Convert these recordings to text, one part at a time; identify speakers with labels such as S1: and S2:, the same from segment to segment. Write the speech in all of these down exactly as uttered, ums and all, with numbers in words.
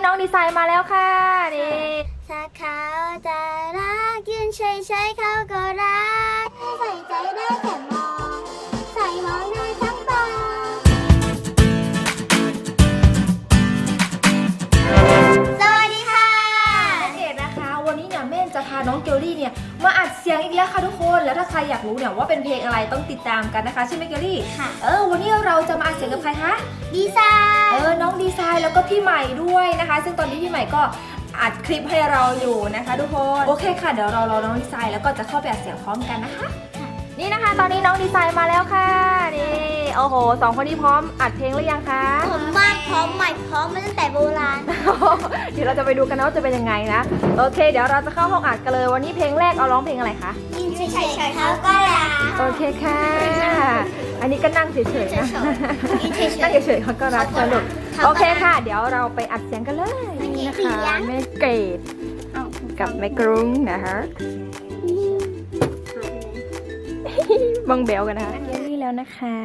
S1: น้องดีไซน์มาแล้วค่ะนี่
S2: ถ้าเขาจะรักยืนเฉยๆเขาก็รักใส่ใจได้แต่มองใส่มองได้ทั้งตาสวัสดีค่ะ
S1: นักเกดนะคะวันนี้เนี่ยแม่จะพาน้องเกลลี่เนี่ยมาอัดเสียงอีกแล้วค่ะทุกคนแล้วถ้าใครอยากรู้เนี่ยว่าเป็นเพลงอะไรต้องติดตามกันนะคะใช่ไหมเกลลี่
S2: ค่ะ
S1: เออวันนี้เราจะมาอัดเสียงกับใครคะ
S2: ดีไซน์
S1: เออน้องดีไซน์แล้วก็พี่ใหม่ด้วยนะคะซึ่งตอนนี้พี่ใหม่ก็อัดคลิปให้เราอยู่นะคะทุกคนโอเคค่ะเดี๋ยวเรารอน้องดีไซน์แล้วก็จะเข้าไปอัดเสียงพร้อมกันนะคะนี่นะคะตอนนี้น้องดีไซน์มาแล้วค่ะนี่โอ้โหสองคนนี้พร้อมอัดเพลงหรือยังคะ
S2: พร้อมมากพร้อมใหม่พร้อมมาตั้งแต่โบราณ
S1: เดี๋ยวเราจะไปดูกันนะว่าจะเป็นยังไงนะโอเคเดี๋ยวเราจะเข้าห้องอัดกันเลยวันนี้เพลงแรกเอาร้องเพลงอะไรคะ
S2: ยินเฉยๆเขาก็รัก
S1: โอเคค่ะอันนี้ก็นั่งเฉยๆนะนั่งเฉยๆเขาก็รักสนุกโอเคค่ะเดี๋ยวเราไปอัดเสียงกันเลยนี่นะคะแม่เกดกับแม่กรุ้งนะคะบังเบลกันนะคะเกลลี่แล้วนะคะ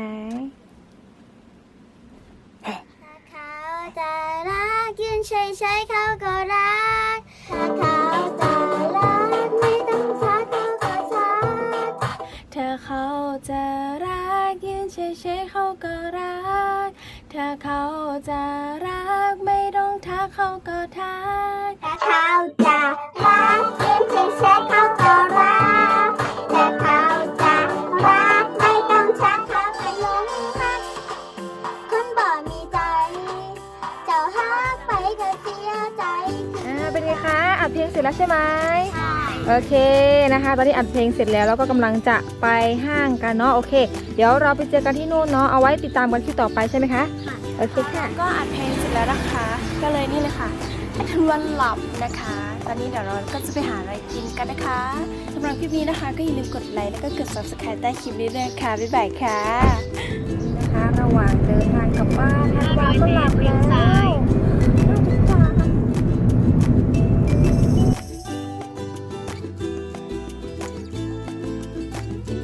S2: ถ้าเขาจะรักยืนเฉยๆเขาก็รักถ้าเขาจะรักไม่ต้องชักเขาก็ชัก
S1: ถ้าเขาจะรักยืนเฉยๆเขาก็รักถ้าเขาจะรักไม่ต้องทักเขาก็ทัก
S2: ถ้าเขาจะรักยืนเฉยๆเขาก็รักถ้าเขาจะรักไม่ต้องชักเขาก็หลงรักคนบ่มีใจเจ้าฮักไปก็เสียใจ
S1: อ่าเป็นไงคะอัดเพลงเสร็จแล้วใช่ไหม
S2: ใช่
S1: โอเคนะคะตอนนี้อัดเพลงเสร็จแล้วแล้วก็กำลังจะไปห้างกันเนาะโอเคเดี๋ยวเราไปเจอกันที่นู่นเนาะเอาไว้ติดตามกันที่ต่อไปใช่ไหมคะ
S2: ค่ะ
S1: โอเคค่ะ
S3: ก็อัดเพลงเสร็จแล้วนะคะก็เลยนี่เลยค่ะให้ทวนหลับนะคะตอนนี้เดี๋ยวเราก็จะไปหาอะไรกินกันนะคะสำหรับคลิปนี้นะคะก็อย่าลืมกดไลค์แล้วก็กด ซับสไครบ์ ใต้คลิปนี้ด้วยค่ะบ๊ายบายค่ะ
S1: นะคะระหว่างเดินทางกลับบ้านทางบ้านก็หลับแล้ว